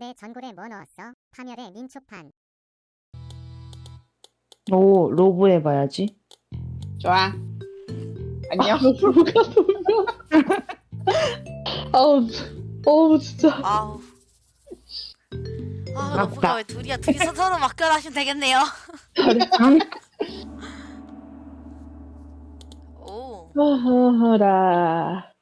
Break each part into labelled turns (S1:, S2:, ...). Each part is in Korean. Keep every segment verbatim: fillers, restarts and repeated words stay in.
S1: 내 전골에 뭐 넣었어? 파멸의 민초판.
S2: 오, 로브 해봐야지.
S3: 좋아. 안녕.
S4: 누가 소리야? 아우, 어우 진짜.
S5: 아우. 아,
S2: 맞다.
S5: 로프가 왜 둘이야? 둘이서 서로 막결하시면 되겠네요. 오.
S4: 하하라.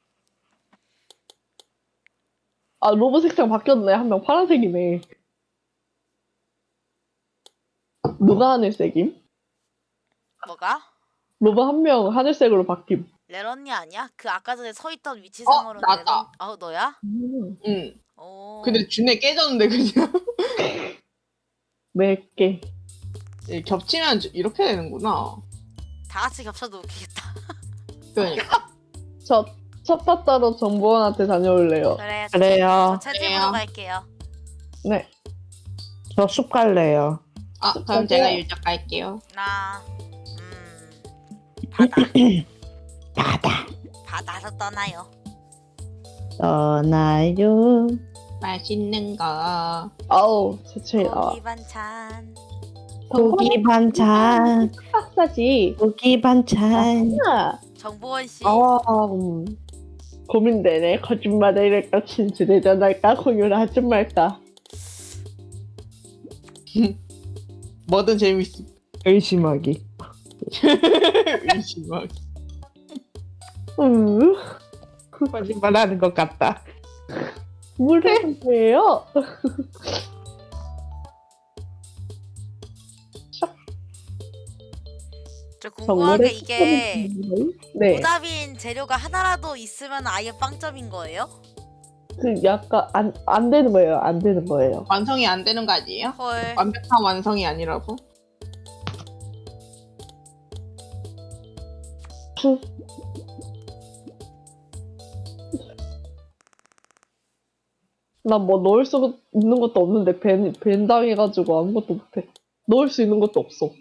S4: 아 로브 색상 바뀌었네. 한 명 파란색이네. 누가 하늘색임?
S5: 뭐가?
S4: 로브 한 명 하늘색으로 바뀜.
S5: 레런이 아니야? 그 아까 전에 서 있던 위치상으로는
S3: 나다.
S5: 레런. 아, 너야?
S4: 음,
S3: 응.
S5: 오.
S3: 근데 준내 깨졌는데 그냥.
S4: 몇 개.
S3: 예, 겹치면 저- 이렇게 되는구나.
S5: 다 같이 겹쳐도 웃기겠다.
S3: 그러니까.
S4: 저 첫 바다로 정보원한테 다녀올래요.
S5: 그래.
S2: 그래요.
S5: 저 채집으로
S3: 그래요.
S5: 갈게요.
S4: 네.
S2: 저 숲 갈래요.
S3: 아, 그럼 제가 유적 갈게요.
S5: 나. 음. 바다.
S2: 바다.
S5: 바다로 떠나요.
S2: 떠나요.
S3: 맛있는 거.
S4: 아우 제철 나와.
S5: 고기 반찬.
S2: 고기 반찬.
S4: 박사지.
S2: 고기 반찬.
S4: 아,
S5: 정보원 씨.
S4: 아 음. 고민되네. 거짓말을 이럴까 진실해전할까 공유를 하지 말까.
S3: 뭐든 재밌어.
S2: 의심하기.
S3: 의심하기.
S4: 음.
S2: 거짓말하는 것 같다.
S4: 물은 뭐예요?
S5: 저 궁금한 게 이게
S4: 네.
S5: 오답인 재료가 하나라도 있으면 아예 빵점인 거예요?
S4: 그 약간 안, 안 되는 거예요. 안 되는 거예요.
S3: 완성이 안 되는 거 아니에요?
S5: 헐.
S3: 완벽한 완성이 아니라고?
S4: 난 뭐 넣을 수 있는 것도 없는데 밴, 밴 당해가지고 아무것도 못해. 넣을 수 있는 것도 없어.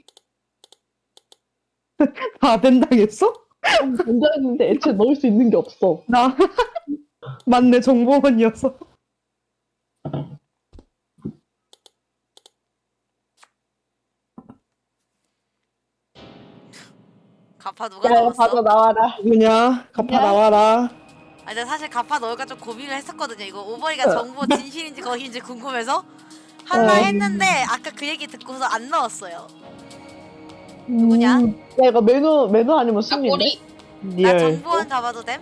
S2: 다 된다겠어?
S4: 밴 당했는데 애초에 넣을 수 있는 게 없어.
S2: 나 맞네, 정보원이어서.
S5: 가파 누가
S4: 야,
S5: 넣었어?
S4: 바로 나와라.
S2: 누구냐? 갚아
S4: 야.
S2: 나와라.
S5: 아, 근데 사실 가파 넣을까 좀 고민을 했었거든요. 이거 오버이가 정보 진실인지 거짓인지 궁금해서 하나
S4: 어.
S5: 했는데 아까 그 얘기 듣고서 안 넣었어요. 누구냐?
S4: 음, 야, 이거 메뉴, 메뉴 아니면
S3: 나
S4: 숨인데?
S3: 꼬리.
S5: 나
S2: 리얼.
S5: 정보원 가봐도 됨?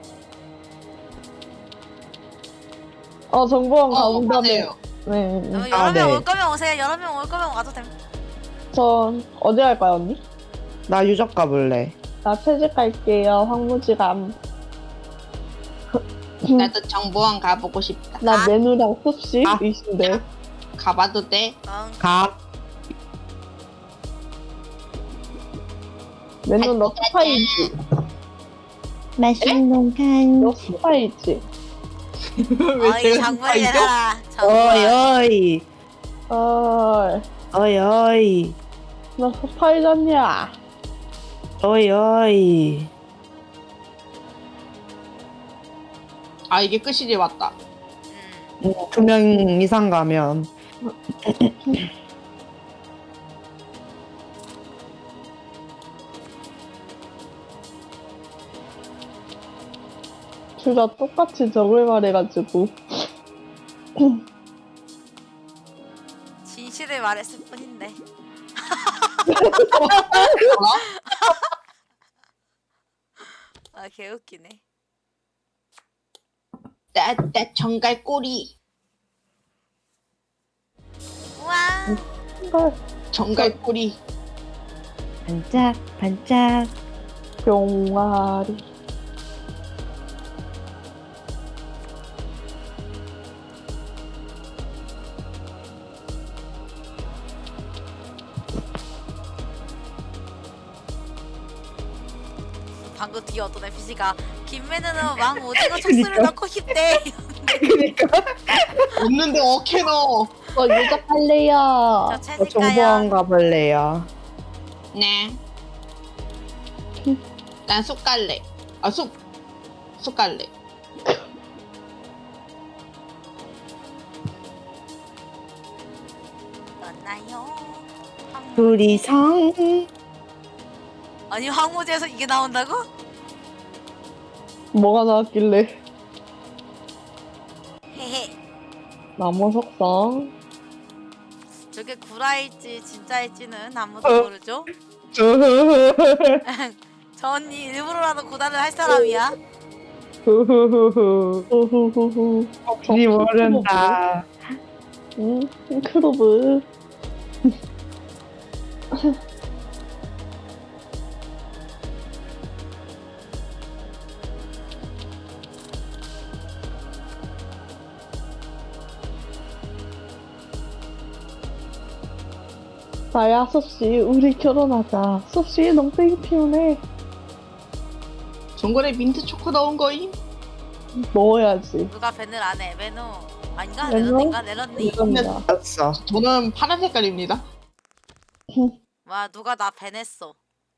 S4: 어, 정보원
S3: 어,
S4: 가본다며.
S3: 하세요.
S4: 네. 네.
S5: 어,
S2: 아,
S5: 여러 명
S2: 네.
S5: 올 거면 오세요. 여러 명 올 거면 와도 됨.
S4: 저, 어디 갈까요, 언니?
S2: 나 유적 가볼래.
S4: 나 채집 갈게요. 황무지감.
S3: 나도 정보원 가보고 싶다.
S4: 나
S5: 아.
S4: 메뉴랑 숲씨
S2: 아.
S4: 이신데.
S3: 가봐도 돼?
S5: 응.
S2: 가.
S4: 메뉴 너 스파이지.
S2: 맛있는
S4: 너
S2: 간식.
S4: 스파이지.
S3: 왜
S5: 어이
S3: 제가
S5: 장군이
S3: 스파이죠?
S5: 되라.
S2: 어이,
S5: 정보원.
S2: 어이.
S4: 어,
S2: 어이, 어이.
S4: 너 스파이잖냐?
S2: 어이, 어이.
S3: 아, 이게 끝이지, 맞다.
S5: 음.
S2: 두 명 이상 가면.
S4: 둘 다 똑같이 적을 말해가지고.
S5: 진실을 말했을 뿐인데.
S3: 뭐라?
S5: 아, 개웃기네.
S3: 나, 나 정갈 꼬리.
S5: 우와.
S3: 정갈 꼬리.
S2: 반짝, 반짝.
S4: 병아리.
S5: 방금 뒤에 어떤 엔피씨가 김매는은 왕 오징어 촉수를
S2: 그니까.
S5: 넣고 싶대.
S3: 없는데 어케 넣어.
S4: 저 유적할래요.
S5: 저
S2: 저
S5: 채집
S2: 정보원
S5: 가요.
S2: 가볼래요.
S3: 네. 난 쑥 갈래. 아, 쑥. 쑥 갈래.
S5: 나요.
S2: 둘이성.
S5: 아니 황무지에서 이게 나온다고?
S4: 뭐가 나왔길래?
S5: 헤헤.
S4: 나무 석상.
S5: 저게 구라일지 진짜일지는 아무도 모르죠. 저 언니 일부러라도 고단을 할 사람이야.
S4: 후후후후. 후후후후.
S2: 혹시 모른다.
S4: 응, 크로브. 나야, 섭씨, 우리 결혼하자. 섭씨, 농땡이 피우네.
S3: 전골에 민트 초코 넣은 거임?
S4: 넣어야지.
S5: 누가 밴을 안 해? 메누 아닌가?
S4: 메누?
S5: 내렸는가? 내렸니?
S4: 이겁니다.
S2: 였어.
S3: 저는 파란 색깔입니다.
S5: 와 누가 나 밴했어.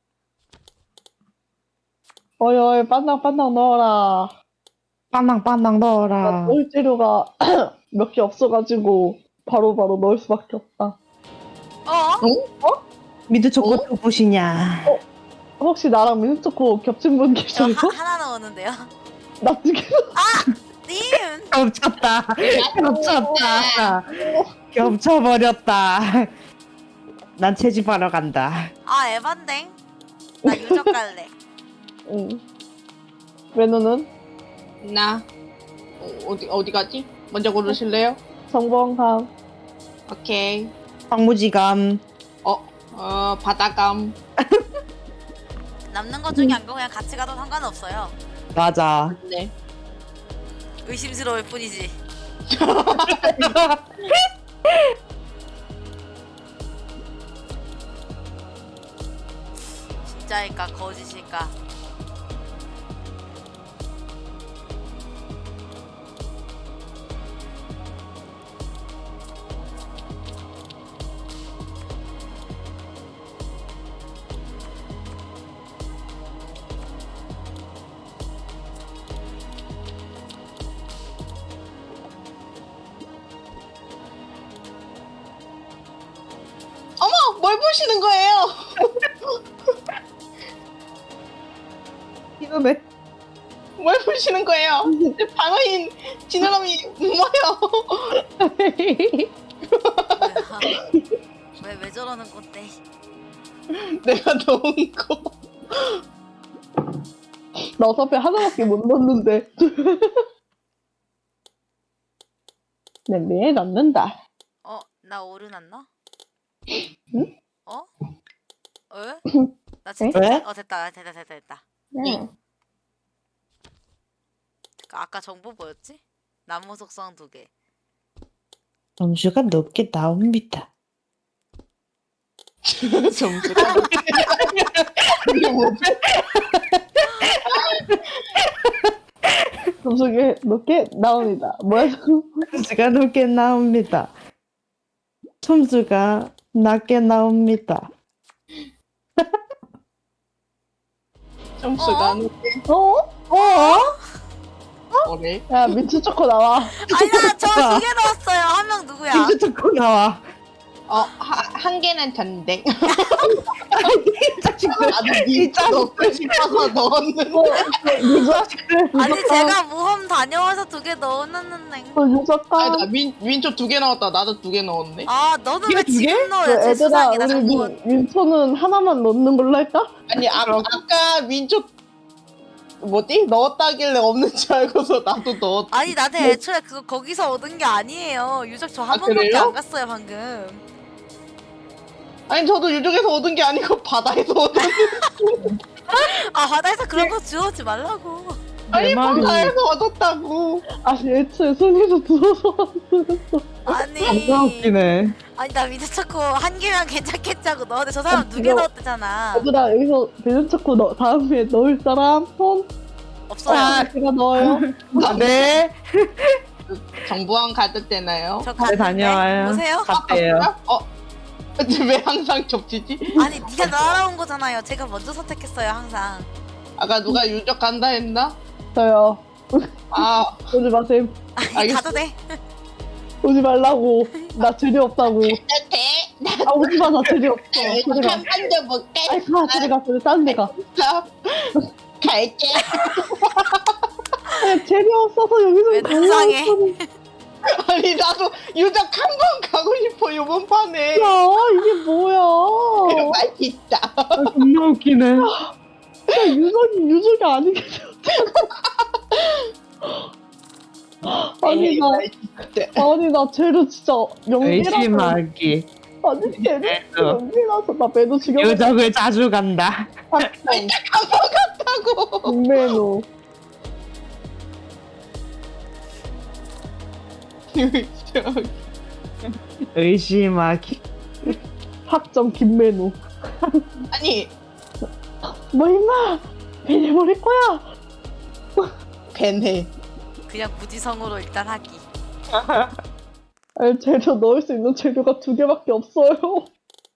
S4: 어이, 어이, 반당반당 넣어라.
S2: 빵빵빵빵
S4: 나
S2: 넣어라.
S4: 넣을 재료가 몇 개 없어가지고 바로바로 넣을 수밖에 없다.
S5: 어?
S2: 미드 초코 누구시냐?
S4: 혹시 나랑 민초코 겹친 분
S5: 저
S4: 계셔요?
S5: 하, 하나 넣었는데요.
S4: 나 두 개.
S5: 님!
S2: 겹쳤다. 겹쳤다. 겹쳐버렸다. 난 채집하러 간다.
S5: 아 에반댕. 나 유적 갈래.
S4: 응. 메뉴는
S3: 나 어, 어디 어디 가지? 먼저 고르실래요?
S4: 정범함.
S3: 오케이.
S2: 황무지감.
S3: 어, 어 바다감.
S5: 남는 것 중에 안 거 그냥 같이 가도 상관없어요.
S2: 맞아.
S3: 네.
S5: 의심스러울 뿐이지. 진짜일까 거짓일까?
S3: 어머, 뭘 보시는 거예요?
S2: 이놈의
S3: 뭘 보시는 거예요? 내 방어인 지느러미 뭐요?
S5: 왜 왜 저러는 건데?
S3: 내가 넣은 거.
S4: 나 어차피 하나밖에 못 넣었는데. 냄비에 넣는다.
S5: 어? 나 오르났나?
S4: 응?
S5: 어? 어? 나 진짜
S2: 왜?
S5: 어 됐다 됐다 됐다 됐다.
S3: 네.
S5: 그 아까 정보 뭐였지? 나무 속성 두 개.
S2: 점수가 높게 나옵니다.
S3: 점수가 이게 뭐지?
S4: 점수게 높게 나옵니다. 뭐야,
S2: 점수가 높게 나옵니다. 점수가 낮게 나옵니다.
S3: 점수가
S5: 어?
S3: 높게.
S4: 어? 어?
S3: 뭐래?
S4: 야, 민트 초코 나와.
S5: 아니야 저 두 개 넣었어요. 한 명 누구야?
S2: 미드 초코 나와.
S3: 어, 하, 한 개는 전댕.
S2: 이 자식들.
S3: 나도
S2: 이
S3: 니
S2: 자식들.
S3: 넣고 싶어서 넣었는데.
S2: 이 자식들.
S5: 아니 제가 모험 다녀와서 두 개 넣어놨는데.
S4: 어, 유적감.
S3: 아니, 나 민, 민초 두 개 넣었다. 나도 두 개 넣었네.
S5: 아 너는
S2: 이거
S5: 왜
S2: 두 개?
S5: 지금 넣어야 제
S4: 얘들아,
S5: 수상이다
S4: 우리
S5: 정보.
S4: 민, 민초는 하나만 넣는 걸로 할까?
S3: 아니, 아, 아까 민초 뭐지? 넣었다길래 없는 줄 알고서 나도 넣었.
S5: 아니 나한테 애초에 그거 거기서 얻은 게 아니에요. 유적 저 한
S3: 아,
S5: 번밖에
S3: 그래요?
S5: 안 갔어요 방금.
S3: 아니, 저도 유적에서 얻은 게 아니고 바다에서 얻은.
S5: 아 바다에서 그런 거 주워오지 말라고.
S3: 아니,
S2: 내 말이.
S3: 바다에서 얻었다고.
S4: 아니, 애초에 손에서 들어서 왔어.
S5: 아니
S2: 겁나 웃기네.
S5: 아니 나 미드초코 한 개면 괜찮겠자고 넣었는데 저 사람 두 개
S4: 이거-
S5: 넣었대잖아.
S4: 얘들아, 여기서 민트 초코 넣, 다음에 넣을 사람 손?
S5: 없어요.
S4: 아, 제가 넣어요.
S2: 아, 네.
S3: 정보원 가도 되나요?
S5: 저
S2: 네,
S5: 갔는데
S2: 다녀와요.
S5: 보세요.
S2: 갔대요.
S3: 어? 근데 왜 항상 겹치지?
S5: 아니 네가 날아온 거잖아요. 제가 먼저 선택했어요 항상.
S3: 아까 누가 유적 간다 했나?
S4: 저요.
S3: 아,
S4: 오지 마세요.
S5: 아니
S3: 알겠어.
S5: 가도 돼.
S4: 오지 말라고. 나 재료 없다고.
S3: 돼?
S4: 아 오지마 나 재료 없어.
S3: 이거
S4: 재료가.
S3: 한판 줘볼게.
S4: 아이 가 재료가 그래 다른 데가.
S3: 갈게.
S4: 아, 재료 없어서 여기서
S5: 왜 불쌍해?
S3: 아니 나도 유적 한 번 가고 싶어 이번 판에.
S4: 야 이게 뭐야?
S3: 맛있다.
S2: 아, 존나 웃기네.
S4: 야 유적이 유적이 아니겠어. 아니 나 아니 나 재료 진짜 연기라서
S2: 의심하기.
S4: 아니 재료
S2: 매도.
S4: 연기라서 나 매도 죽여.
S2: 유적을 자주 간다.
S3: 하고.
S4: 김매노.
S2: 의심하기.
S4: 학점 김매노.
S3: 아니
S4: 뭐 임마 배내버릴 거야.
S3: 벤해.
S5: 그냥 무지성으로 일단 하기.
S4: 아니 재료 넣을 수 있는 재료가 두 개밖에 없어요.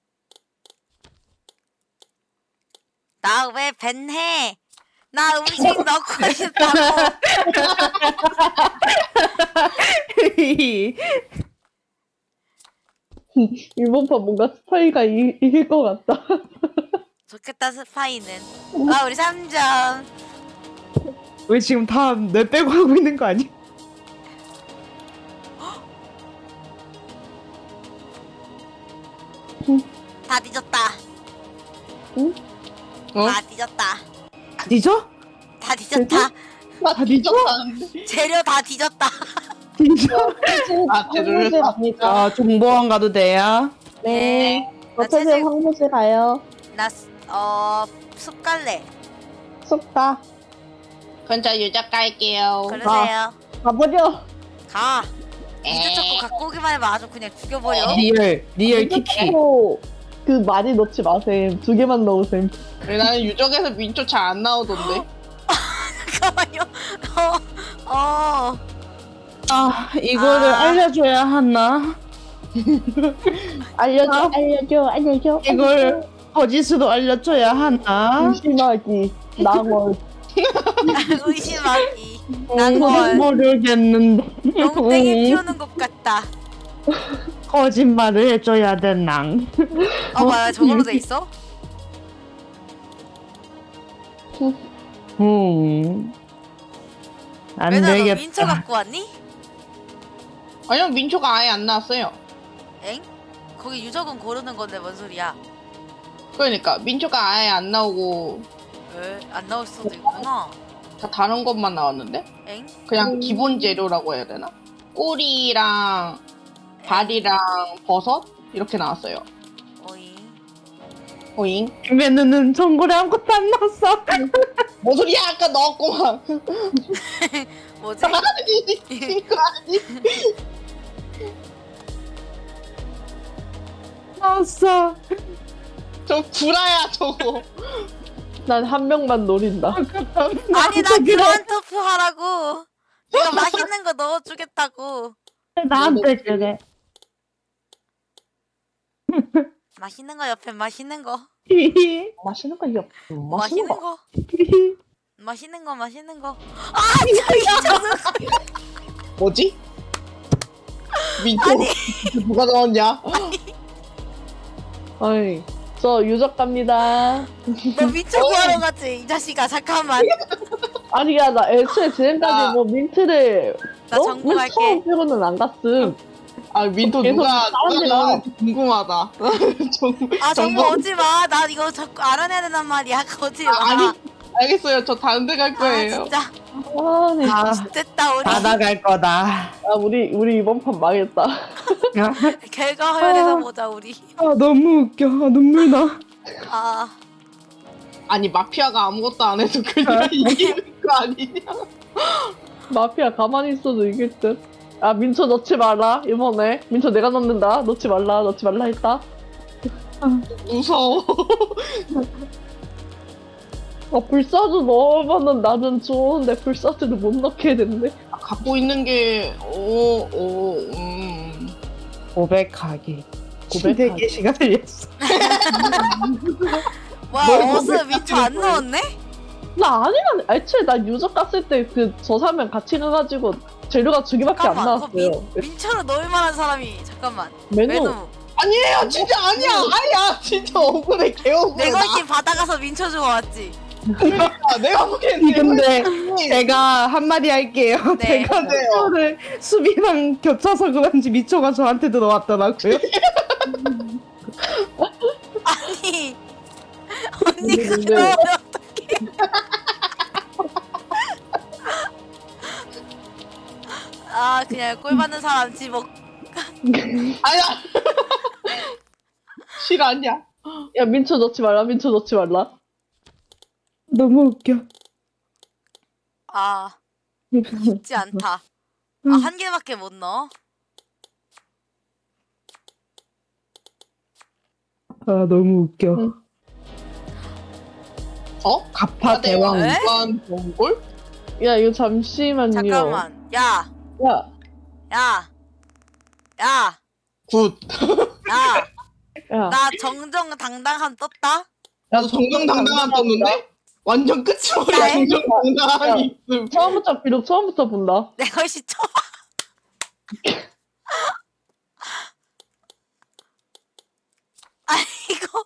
S5: 나 왜 벤해? 나 음식 넣고 싶다고.
S4: 이번 판 뭔가 스파이가 이, 이길 것 같다.
S5: 좋겠다 스파이는. 아 우리 삼 점.
S2: 왜 지금 다 내 빼고 하고 있는 거 아니야?
S5: 다 뒤졌다.
S4: 응?
S3: 어?
S5: 다 뒤졌다.
S2: 뒤져?
S5: 다 뒤졌다.
S3: 나 뒤졌다는데.
S5: 재료 다 뒤졌다.
S2: 뒤져?
S3: 아 재료를
S4: 황무지
S3: 사.
S4: 갑니다.
S2: 아, 정보원 가도 돼요?
S4: 네.
S5: 나
S4: 어차피
S5: 채색-
S4: 황무지 가요.
S5: 나어 숲갈래.
S4: 쏙다
S3: 먼저 유적 갈게요.
S5: 그러세요.
S4: 가버려.
S5: 가. 이제 자꾸 갖고 오기만 해봐 아주 그냥 죽여버려.
S2: 리얼, 리얼 키키.
S4: 어, 그 많이 넣지 마셈. 두 개만 넣으셈.
S3: 왜 나는 유적에서 민초 잘 안 나오던데.
S5: 잠깐만요. 어. 어.
S2: 아, 이거를
S5: 아.
S2: 알려줘야 하나?
S4: 알려줘,
S2: 아.
S4: 알려줘, 알려줘.
S2: 이걸 거짓으로 알려줘야 하나?
S4: 의심하기. 낭월.
S5: 의심하기.
S2: 음,
S5: 난걸
S2: 모르겠는데.
S5: 농땡이 피우는 것 같다.
S2: 거짓말을 해줘야 되나?
S5: 어 뭐야 저걸로 돼 있어?
S2: 음. 안
S5: 왜나 너
S2: 되겠다.
S5: 민초 갖고 왔니?
S3: 아니요 민초가 아예 안 나왔어요.
S5: 엥? 거기 유적은 고르는 건데 뭔 소리야?
S3: 그러니까 민초가 아예 안 나오고
S5: 왜? 안 나올 수도 있구나.
S3: 다 다른 것만 나왔는데?
S5: 엥?
S3: 그냥
S4: 음.
S3: 기본 재료라고 해야 되나? 꼬리랑 발이랑 버섯 이렇게 나왔어요.
S5: 어이.
S3: 오잉?
S2: 김현우는 전골에 아무것도 안 넣었어.
S3: 뭐 소리야 아까 넣었구만.
S5: 뭐지?
S3: 아니 이거 아니.
S2: 넣었어.
S3: 저 구라야 저거.
S4: 난 한 명만 노린다.
S5: 아니 나 그만 투표하라고. 내가 맛있는 거 넣어주겠다고.
S2: 나한테 그래.
S5: 맛있는 거 옆에 맛있는 거.
S3: 맛있는 거 이거
S5: 맛있는
S3: 맛있는 거.
S5: 거. 맛있는 거 맛있는 거. 아 저기 저는
S3: 뭐지? 민초 누가 넣었냐?
S4: 아이, 저 유적 갑니다.
S5: 너 민초 구하러 갔지 이 자식아 잠깐만.
S4: 아니야, 나 애초에 지금까지
S3: 아.
S4: 뭐 민트를
S5: 나
S4: 어?
S5: 정보
S4: 맨
S5: 갈게.
S4: 처음 빼고는 안 갔음.
S3: 아 민초
S4: 계속
S3: 누가
S4: 사람들이
S3: 누가
S4: 나와.
S3: 넣었는지 궁금하다. 정,
S5: 아 정보
S3: 정보-
S5: 오지 마. 나 이거 자꾸 알아내야 된단 말이야. 오지 마.
S3: 아, 아니 알겠어요. 저 다른 데 갈
S5: 아,
S3: 거예요.
S5: 진짜
S4: 아, 네.
S2: 다,
S5: 됐다 우리
S2: 다 나갈 거다.
S4: 아, 우리 우리 이번 판 망했다.
S5: 결과 화면에서
S2: 아.
S5: 보자 우리.
S2: 아, 너무 웃겨. 아, 눈물 나.
S5: 아
S3: 아니 마피아가 아무것도 안 해도 그냥 이기는 거 아니냐?
S4: 마피아 가만히 있어도 이길 듯. 아, 민초 넣지 마라 이번에. 민초 내가 넣는다. 넣지 말라, 넣지 말라 했다.
S3: 무서워.
S4: 아, 불사조 넣으면은 나는 좋은데 불사조를 못 넣게 됐네.
S3: 갖고 있는 게 오, 오, 음.
S2: 고백하기.
S4: 고백하기.
S2: 되게 시간 걸렸어.
S5: 뭐야 어스 민초 안 넣었네?
S4: 나 아니라 애초에 나 유적 갔을 때 그 저 사람 같이 가가지고 재료가 두 개밖에 안
S5: 잠깐만 그거
S4: 나왔어요.
S5: 민, 민초로 넣을 만한 사람이 잠깐만
S4: 메뉴
S5: 메뉴
S3: 아니에요 진짜 아니야 아니야 진짜 억울해 개 억울해
S5: 내
S3: 나.
S5: 걸신 받아가서 민초 주고 왔지.
S3: 아, 내가 보기엔
S2: 근데
S3: 내
S2: 제가 한마디 할게요.
S5: 네.
S2: 제가
S3: 네요.
S2: 미초를 수비랑 겹쳐서 그런지 미초가 저한테 들어왔더라고요.
S5: 아니 언니가
S4: 근데-
S5: 넣으면 아 그냥 꼴 받는 사람 집어.
S3: 아야 실화냐
S4: 야 민초 넣지 말라 민초 넣지 말라.
S2: 너무 웃겨.
S5: 아 쉽지 않다. 아 한 개밖에 못 넣어.
S2: 아 너무 웃겨.
S4: 응.
S3: 어?
S2: 가파 대왕.
S5: 에?
S3: 무한 동굴?
S4: 야 이거 잠시만요.
S5: 잠깐만. 야,
S4: 야,
S5: 야, 야,
S3: 굿
S5: 야.
S4: 야.
S5: 나 정정당당함 떴다.
S3: 나도 정정당당한 떴는데? 완전 끝이야
S5: 야,
S3: 정정당당함이 있음
S4: 처음부터 비록 처음부터 본다.
S5: 내 것이 쳐봐. 아니 이거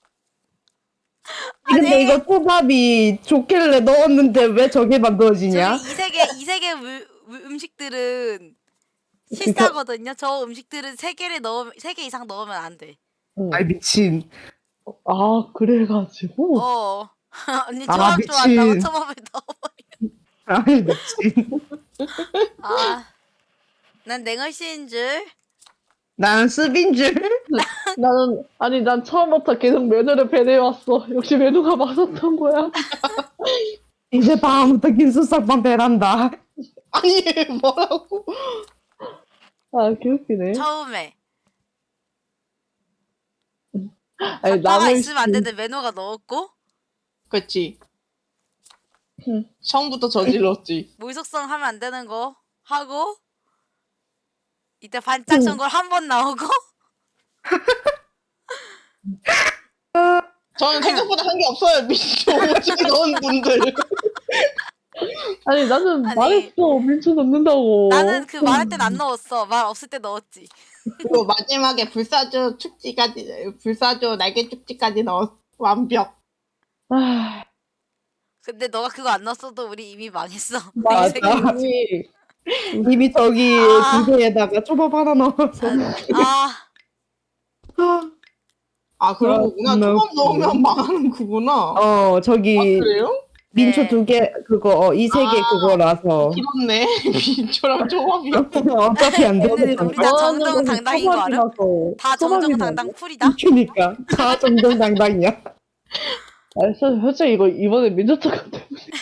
S2: 근데
S5: 아니.
S2: 이거 초밥이 좋길래 넣었는데 왜 저게 만들어지냐?
S5: 저기 이 세계 이 세계 물- 물- 음식들은 실사거든요. 저 음식들은 세 개를 넣으면 세 개 이상 넣으면 안 돼.
S4: 응.
S2: 아이 미친.
S4: 아 그래가지고.
S5: 어. 언니
S2: 아,
S5: 초밥
S2: 미친.
S5: 좋아한다고 초밥을 넣어버려.
S2: 아이 미친.
S5: 아, 난 냉얼씨인 줄.
S2: 나는 수빈 줄.
S4: 나는 아니 난 처음부터 계속 메뉴를 배내왔어. 역시 메뉴가 맞았던 거야.
S2: 이제 다음부터 긴수싹만 배란다.
S3: 아니 뭐라고
S4: 아 개웃기네.
S5: 처음에.
S4: 아니
S5: 가파가
S4: 남을
S5: 있으면 안 되는데 메뉴가 넣었고
S3: 그치
S4: 응.
S3: 처음부터 저질렀지
S5: 물속성 하면 안 되는 거 하고 이때 반짝 전골 한 번 나오고
S3: 저는 생각보다 한 게 없어요 미쳐 오지게 넣은 분들
S4: 아니 나는
S5: 아니.
S4: 말했어 민초 넣는다고.
S5: 나는 그 말할 땐 안 넣었어. 말 없을 때 넣었지.
S3: 그리고 마지막에 불사조 축지까지 불사조 날개 축지까지 넣었 완벽
S4: 아
S5: 근데 너가 그거 안 넣었어도 우리 이미 망했어.
S2: 맞아.
S4: 맞지.
S2: 이미 저기
S5: 아.
S2: 두 개에다가 초밥 하나 넣어서.
S5: 아,
S3: 아 그러구나
S2: 아,
S3: 초밥
S2: 너무
S3: 넣으면 망하는 거구나
S2: 어 저기
S3: 아 그래요?
S2: 민초
S5: 네.
S2: 두 개 그거 어, 이 세 개
S3: 아.
S2: 그거라서
S3: 길었네 민초랑 초밥이
S2: 어차피 안
S5: 근데
S2: 되는
S5: 우리 다 정정당당인 거 알아? 다 정정당당 풀이다.
S2: 그니까 다 정정당당이야.
S4: 아, 솔직히 이거 이번에 민초떡 때문에